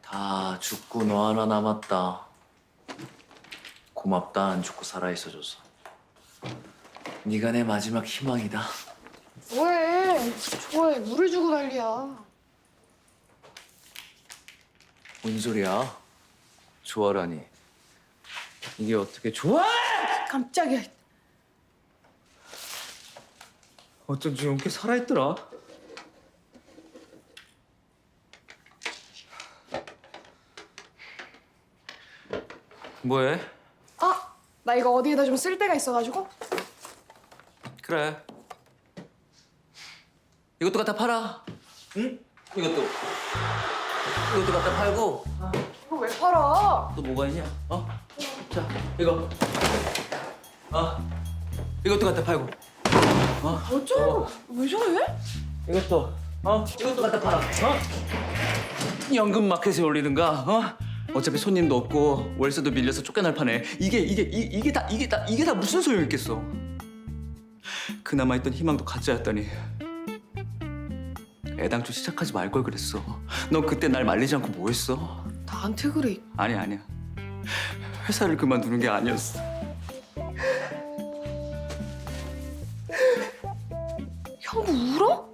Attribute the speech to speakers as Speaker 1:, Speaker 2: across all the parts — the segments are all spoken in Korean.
Speaker 1: 다 죽고 너 하나 남았다. 고맙다, 안 죽고 살아있어줘서. 네가 내 마지막 희망이다.
Speaker 2: 뭐해? 좋아해. 물을 주고 난리야.
Speaker 1: 뭔 소리야? 좋아라니. 이게 어떻게 좋아?
Speaker 2: 깜짝이야.
Speaker 1: 어쩐지 용케 살아있더라. 뭐해?
Speaker 2: 아, 나 이거 어디에다 좀 쓸 데가 있어가지고.
Speaker 1: 그래. 이것도 갖다 팔아. 응? 이것도 갖다 팔고.
Speaker 2: 이거 왜 팔아?
Speaker 1: 또 뭐가 있냐? 자, 이거. 이것도 갖다 팔고.
Speaker 2: 어쩌고? 왜 저래?
Speaker 1: 이것도. 이것도 갖다 팔아. 연금 마켓에 올리든가. 어차피 손님도 없고 월세도 밀려서 쫓겨날 판에 이게 다 무슨 소용 있겠어? 그나마 있던 희망도 가짜였다니. 애당초 시작하지 말 걸 그랬어. 넌 그때 날 말리지 않고 뭐 했어?
Speaker 2: 나한테 그래.
Speaker 1: 아니야. 회사를 그만두는 게 아니었어.
Speaker 2: 형부 울어?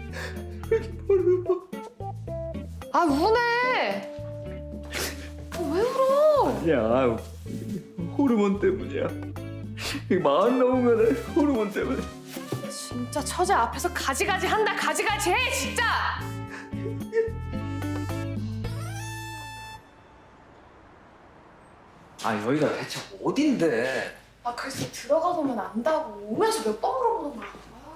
Speaker 2: 아, 우네. 왜 울어?
Speaker 1: 야, 호르몬 때문이야. 마흔 넘으면 호르몬 때문에.
Speaker 2: 진짜 처제 앞에서 가지가지 한다. 가지가지 해, 진짜.
Speaker 1: 여기가 대체 어딘데?
Speaker 2: 아, 그래서 들어가 보면 안다고. 오면서 몇 번 물어보는 거야.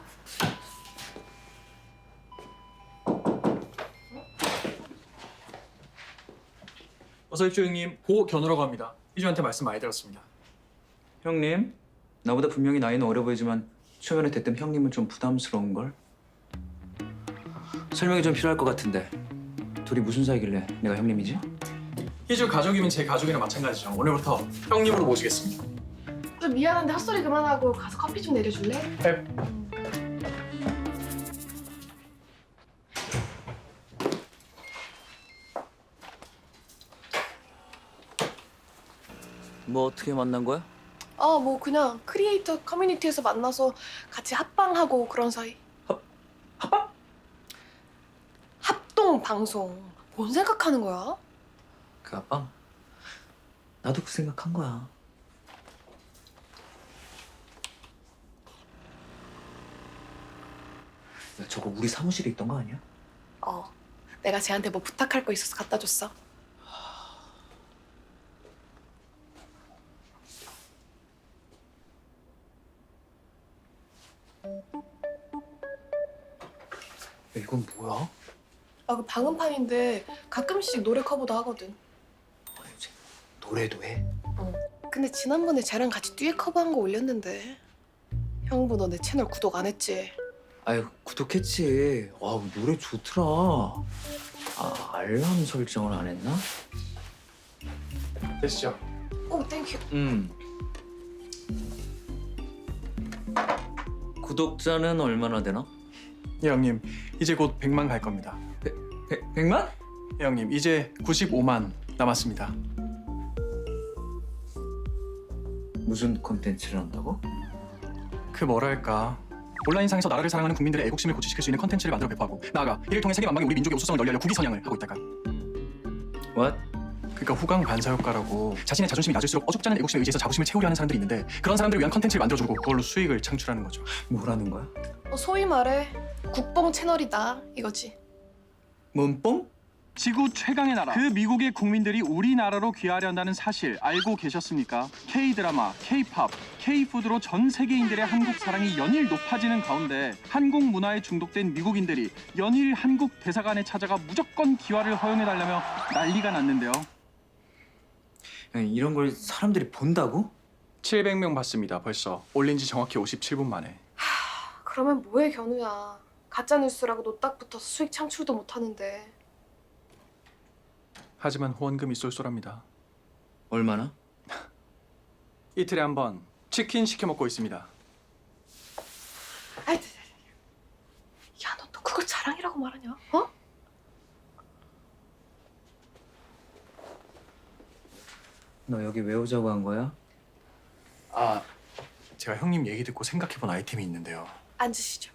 Speaker 3: 어서 오십시오 형님. 고견우라고 합니다. 희주한테 말씀 많이 들었습니다.
Speaker 1: 형님, 나보다 분명히 나이는 어려 보이지만 초면에 대뜸 형님은 좀 부담스러운 걸. 설명이 좀 필요할 것 같은데 둘이 무슨 사이길래 내가 형님이지?
Speaker 3: 희주 가족이면 제 가족이랑 마찬가지죠. 오늘부터 형님으로 모시겠습니다.
Speaker 2: 좀 미안한데 헛소리 그만하고 가서 커피 좀 내려줄래?
Speaker 3: 네.
Speaker 1: 뭐 어떻게 만난 거야?
Speaker 2: 뭐 그냥 크리에이터 커뮤니티에서 만나서 같이 합방하고 그런 사이.
Speaker 1: 합방?
Speaker 2: 합동 방송. 뭔 생각하는 거야?
Speaker 1: 그 합방? 나도 그 생각한 거야. 야, 저거 우리 사무실에 있던 거 아니야?
Speaker 2: 내가 쟤한테 뭐 부탁할 거 있어서 갖다 줬어.
Speaker 1: 야, 이건 뭐야?
Speaker 2: 그 방음판인데 가끔씩 노래 커버도 하거든.
Speaker 1: 이제 노래도 해?
Speaker 2: 근데 지난번에 쟤랑 같이 듀엣 커버한 거 올렸는데. 형부, 너 내 채널 구독 안 했지?
Speaker 1: 아유, 구독했지. 와, 노래 좋더라. 알람 설정을 안 했나?
Speaker 3: 되시죠?
Speaker 2: 땡큐.
Speaker 1: 구독자는 얼마나 되나?
Speaker 3: 예 형님. 이제 곧 100만 갈 겁니다.
Speaker 1: 100만?
Speaker 3: 예 형님. 이제 95만 남았습니다.
Speaker 1: 무슨 콘텐츠를 한다고?
Speaker 3: 그 뭐랄까. 온라인상에서 나라를 사랑하는 국민들의 애국심을 고취시킬 수 있는 컨텐츠를 만들어 배포하고 나아가 이를 통해 세계 만방에 우리 민족의 우수성을 널리 알려 국위 선양을 하고 있달까.
Speaker 1: What?
Speaker 3: 그러니까 후광 반사 효과라고 자신의 자존심이 낮을수록 어줍잖은 애국심에 의지해서 자부심을 채우려 하는 사람들이 있는데 그런 사람들을 위한 컨텐츠를 만들어주고 그걸로 수익을 창출하는 거죠.
Speaker 1: 뭐라는 거야?
Speaker 2: 소위 말해 국뽕 채널이다 이거지.
Speaker 1: 문뽕?
Speaker 4: 지구 최강의 나라. 그 미국의 국민들이 우리나라로 귀화한다는 사실 알고 계셨습니까? K-드라마, K-팝, K-푸드로 전 세계인들의 한국 사랑이 연일 높아지는 가운데 한국 문화에 중독된 미국인들이 연일 한국 대사관에 찾아가 무조건 귀화를 허용해달라며 난리가 났는데요.
Speaker 1: 야, 이런 걸 사람들이 본다고?
Speaker 3: 700명 봤습니다. 벌써 올린 지 정확히 57분 만에.
Speaker 2: 그러면 뭐해 견우야. 가짜 뉴스라고 노딱 붙어서 수익 창출도 못 하는데.
Speaker 3: 하지만 후원금이 쏠쏠합니다.
Speaker 1: 얼마나?
Speaker 3: 이틀에 한 번 치킨 시켜 먹고 있습니다.
Speaker 2: 아이, 야, 너 또 그걸 자랑이라고 말하냐? 어?
Speaker 1: 너 여기 왜 오자고 한 거야?
Speaker 3: 아, 제가 형님 얘기 듣고 생각해본 아이템이 있는데요.
Speaker 2: 앉으시죠.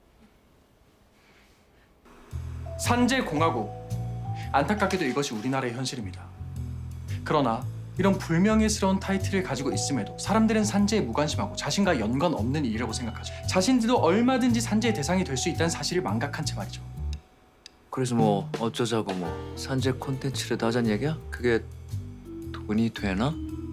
Speaker 3: 산재공화국. 안타깝게도 이것이 우리나라의 현실입니다. 그러나 이런 불명예스러운 타이틀을 가지고 있음에도 사람들은 산재에 무관심하고 자신과 연관 없는 일이라고 생각하죠. 자신들도 얼마든지 산재의 대상이 될 수 있다는 사실을 망각한 채 말이죠.
Speaker 1: 그래서 뭐 어쩌자고 뭐 산재 콘텐츠를 하자는 얘기야? 그게 돈이 되나?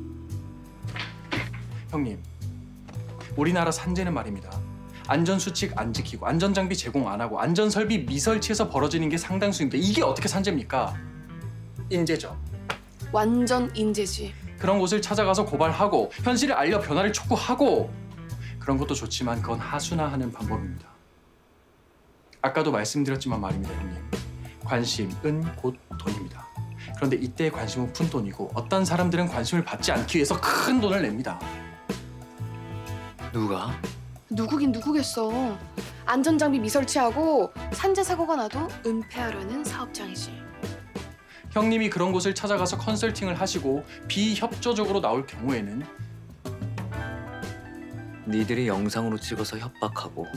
Speaker 3: 형님, 우리나라 산재는 말입니다. 안전수칙 안 지키고 안전장비 제공 안 하고 안전설비 미설치에서 벌어지는 게 상당수인데 이게 어떻게 산재입니까? 인재죠.
Speaker 2: 완전 인재지.
Speaker 3: 그런 곳을 찾아가서 고발하고 현실을 알려 변화를 촉구하고 그런 것도 좋지만 그건 하수나하는 방법입니다. 아까도 말씀드렸지만 말입니다, 형님. 관심은 곧 돈입니다. 그런데 이때의 관심은 푼돈이고 어떤 사람들은 관심을 받지 않기 위해서 큰 돈을 냅니다.
Speaker 1: 누가?
Speaker 2: 누구긴 누구겠어. 안전장비 미설치하고 산재 사고가 나도 은폐하려는 사업장이지.
Speaker 3: 형님이 그런 곳을 찾아가서 컨설팅을 하시고 비협조적으로 나올 경우에는
Speaker 1: 니들이 영상으로 찍어서 협박하고.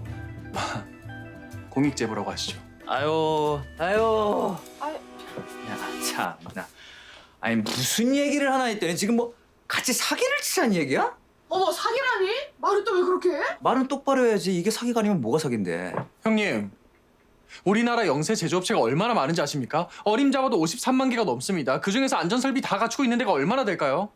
Speaker 3: 공익제보라고 하시죠.
Speaker 1: 아유.
Speaker 2: 아유.
Speaker 1: 야, 참나. 아니 무슨 얘기를 하나 했더니 지금 뭐 같이 사기를 치자는 얘기야?
Speaker 2: 어머, 사기라니? 말을 또 왜 그렇게 해?
Speaker 1: 말은 똑바로 해야지. 이게 사기가 아니면 뭐가 사기인데?
Speaker 3: 형님, 우리나라 영세 제조업체가 얼마나 많은지 아십니까? 어림잡아도 53만 개가 넘습니다. 그중에서 안전설비 다 갖추고 있는 데가 얼마나 될까요?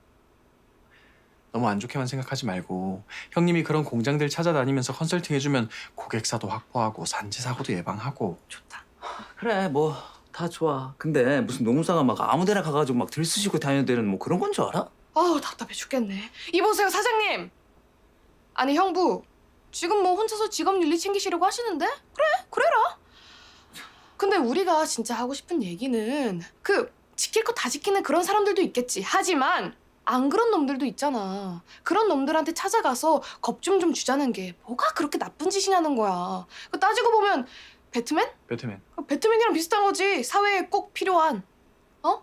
Speaker 3: 너무 안 좋게만 생각하지 말고 형님이 그런 공장들 찾아다니면서 컨설팅 해주면 고객사도 확보하고 산재 사고도 예방하고.
Speaker 1: 좋다. 그래 뭐 다 좋아. 근데 무슨 노무사가 막 아무데나 가가지고 막 들쑤시고 다녀야 뭐 그런 건 줄 알아?
Speaker 2: 아우, 답답해 죽겠네. 이보세요, 사장님. 아니, 형부. 지금 뭐 혼자서 직업 윤리 챙기시려고 하시는데? 그래, 그래라. 근데 우리가 진짜 하고 싶은 얘기는 지킬 거 다 지키는 그런 사람들도 있겠지. 하지만 안 그런 놈들도 있잖아. 그런 놈들한테 찾아가서 겁 좀 주자는 게 뭐가 그렇게 나쁜 짓이냐는 거야. 따지고 보면 배트맨?
Speaker 3: 배트맨.
Speaker 2: 배트맨이랑 비슷한 거지. 사회에 꼭 필요한. 어?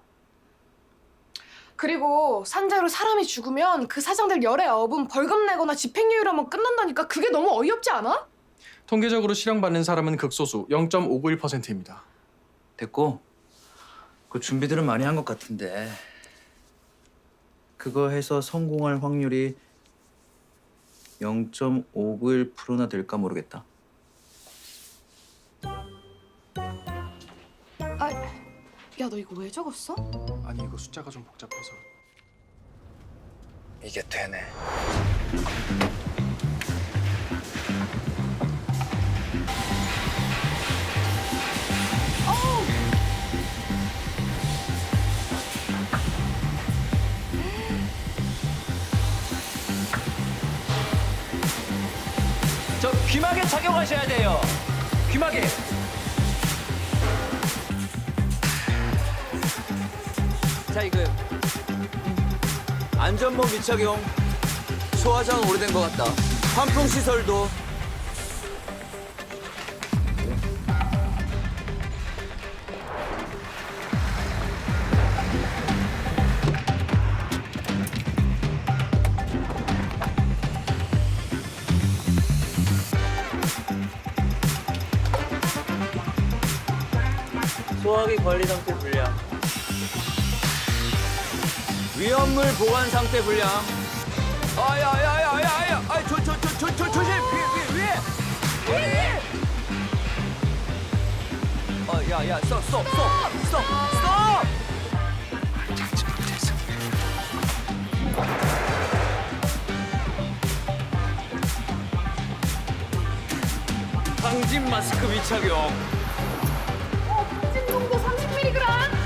Speaker 2: 그리고 산재로 사람이 죽으면 그 사장들 열에 업은 벌금 내거나 집행유예로만 끝난다니까. 그게 너무 어이없지 않아?
Speaker 3: 통계적으로 실형받는 사람은 극소수 0.591%입니다.
Speaker 1: 됐고 그 준비들은 많이 한 것 같은데 그거 해서 성공할 확률이 0.591%나 될까 모르겠다.
Speaker 2: 아, 야, 너 이거 왜 적었어?
Speaker 3: 아니 이거 숫자가 좀 복잡해서.
Speaker 1: 이게 되네. 저 귀마개 착용하셔야 돼요. 귀마개. 자 이거 안전모 미착용. 소화장은 오래된 것 같다. 환풍 시설도. 소화기 관리 상태 불량. 위험물 보관 상태 불량. 아야야야야야! 아, 조심! 위에! 야야, 스톱! 방진 마스크 미착용.
Speaker 2: 진동도 30mg.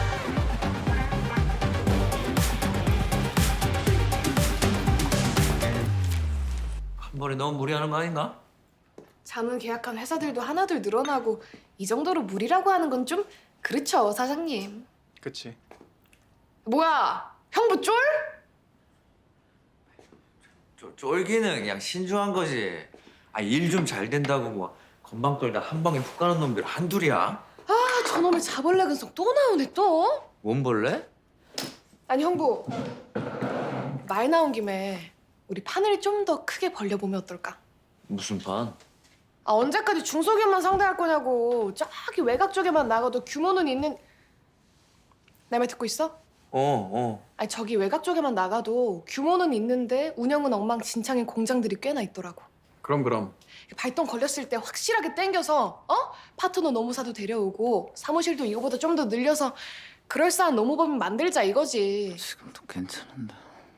Speaker 1: 한 번에 너무 무리하는 거 아닌가?
Speaker 2: 자문 계약한 회사들도 하나둘 늘어나고 이 정도로 무리라고 하는 건 좀 그렇죠, 사장님.
Speaker 3: 그치.
Speaker 2: 뭐야, 형부 쫄?
Speaker 1: 쫄기는 그냥 신중한 거지. 일 좀 잘 된다고 뭐 건방 떨다 한 방에 훅 가는 놈들 한둘이야?
Speaker 2: 아, 저놈의 자벌레 근성 또 나오네 또.
Speaker 1: 뭔 벌레?
Speaker 2: 아니 형부, 말 나온 김에 우리 판을 좀 더 크게 벌려보면 어떨까?
Speaker 1: 무슨 판?
Speaker 2: 아 언제까지 중소기업만 상대할 거냐고. 저기 외곽 쪽에만 나가도 규모는 있는... 내 말 듣고 있어? 아니 저기 외곽 쪽에만 나가도 규모는 있는데 운영은 엉망진창인 공장들이 꽤나 있더라고.
Speaker 3: 그럼
Speaker 2: 발동 걸렸을 때 확실하게 땡겨서 파트너 노무사도 데려오고 사무실도 이거보다 좀 더 늘려서 그럴싸한 노무법인 만들자 이거지.
Speaker 1: 지금도 괜찮은데.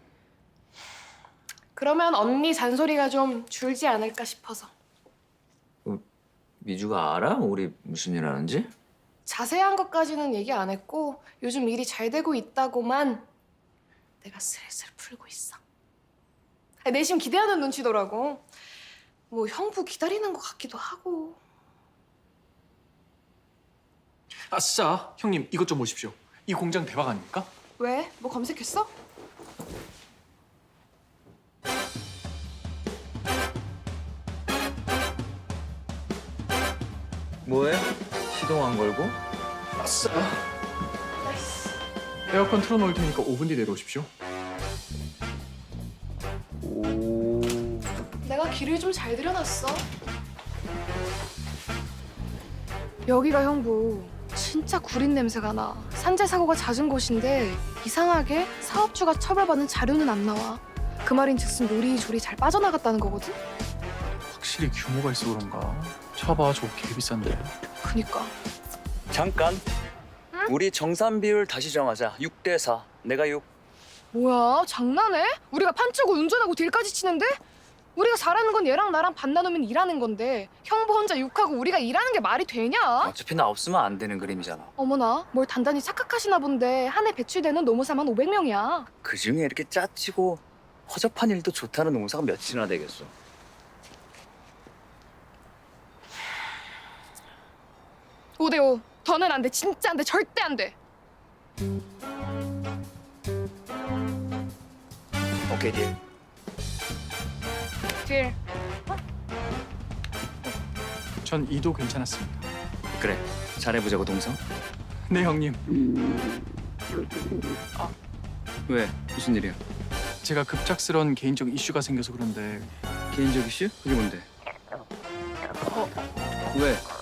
Speaker 2: 그러면 언니 잔소리가 좀 줄지 않을까 싶어서.
Speaker 5: 미주가 알아? 우리 무슨 일 하는지?
Speaker 2: 자세한 것까지는 얘기 안 했고 요즘 일이 잘 되고 있다고만 내가 슬슬 풀고 있어. 내심 기대하는 눈치더라고. 뭐 형부 기다리는 것 같기도 하고.
Speaker 3: 아싸 형님 이것 좀 보십시오. 이 공장 대박 아닙니까?
Speaker 2: 왜? 뭐 검색했어?
Speaker 5: 뭐해? 시동 안 걸고?
Speaker 3: 아싸. 에어컨 틀어놓을 테니까 5분 뒤 내려오십시오.
Speaker 5: 오.
Speaker 2: 내가 길을 좀 잘 들여놨어. 여기가 형부 진짜 구린 냄새가 나. 산재 사고가 잦은 곳인데 이상하게 사업주가 처벌받는 자료는 안 나와. 그 말인즉슨 요리조리 잘 빠져나갔다는 거거든.
Speaker 3: 확실히 규모가 있어 그런가? 차봐 저거 개 비싼데.
Speaker 2: 그니까.
Speaker 1: 잠깐. 우리 정산 비율 다시 정하자. 6대 4. 내가 6.
Speaker 2: 뭐야 장난해? 우리가 판치고 운전하고 딜까지 치는데? 우리가 잘하는 건 얘랑 나랑 반 나누면 일하는 건데 형부 혼자 욕하고 우리가 일하는 게 말이 되냐?
Speaker 1: 어차피 나 없으면 안 되는 그림이잖아.
Speaker 2: 어머나 뭘 단단히 착각하시나 본데 한 해 배출되는 노무사만 500명이야.
Speaker 1: 그중에 이렇게 짜치고 허접한 일도 좋다는 농사가 몇이나 되겠어.
Speaker 2: 오 대 5. 더는 안 돼. 진짜 안 돼. 절대 안 돼.
Speaker 1: 오케이 딜.
Speaker 2: 딜.
Speaker 3: 전 2도 괜찮았습니다.
Speaker 1: 그래. 잘해보자고 동성.
Speaker 3: 네 형님.
Speaker 1: 왜? 무슨 일이야?
Speaker 3: 제가 급작스런 개인적 이슈가 생겨서 그런데
Speaker 1: 개인적 이슈? 그게 뭔데? 왜?